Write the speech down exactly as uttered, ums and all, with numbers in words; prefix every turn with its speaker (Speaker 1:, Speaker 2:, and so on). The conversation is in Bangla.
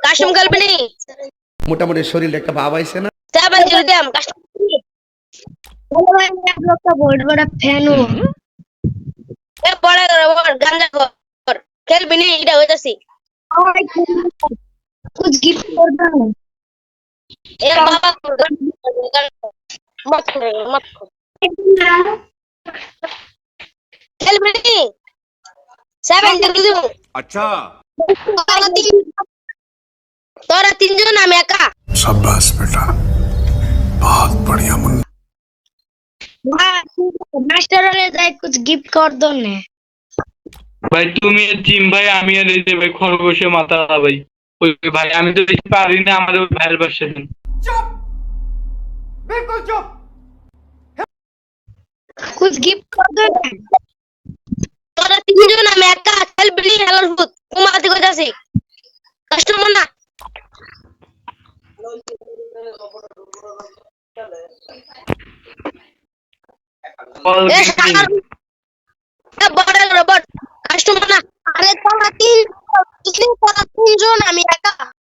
Speaker 1: কাস্টম খেলবি নি
Speaker 2: মোটামুটি শরীরে একটা ভাব আইছে না
Speaker 1: সেভেন জিরো দিম কাস্টম
Speaker 3: বলো ভাই এক লোক का बहुत बड़ा फैन हूँ
Speaker 1: এ পড়া কর গাঞ্জা কর খেলবি নি এটা হইতাছি
Speaker 3: और कुछ गिफ्ट कर दो
Speaker 1: এ বাবা মত করে মত খেলবি নি সেভেন জিরো দিম
Speaker 4: अच्छा
Speaker 1: তোরা তিনজন আমি একা
Speaker 5: शाबाश बेटा बहुत बढ़िया मुन्ना
Speaker 3: मास्टर वाले जाए कुछ गिफ्ट कर दो ने
Speaker 6: ভাই তুমি জিম ভাই আমি আর এই যে ভাই খরগোশে মাথা ভাই ওই ভাই আমি তো বেশি পারি না আমাদের ওই ভাইয়ের বাসা দেন
Speaker 3: कुछ गिफ्ट कर दो ने
Speaker 1: তোরা তিনজন আমি একা খেলবি নি হেলার ভূত কুমাতি কইতাছি কাস্টমার না এ সাগর এ বড় রোবট কাস্টমার না আরে তোরা তিন তোরা তিনজন আমি একা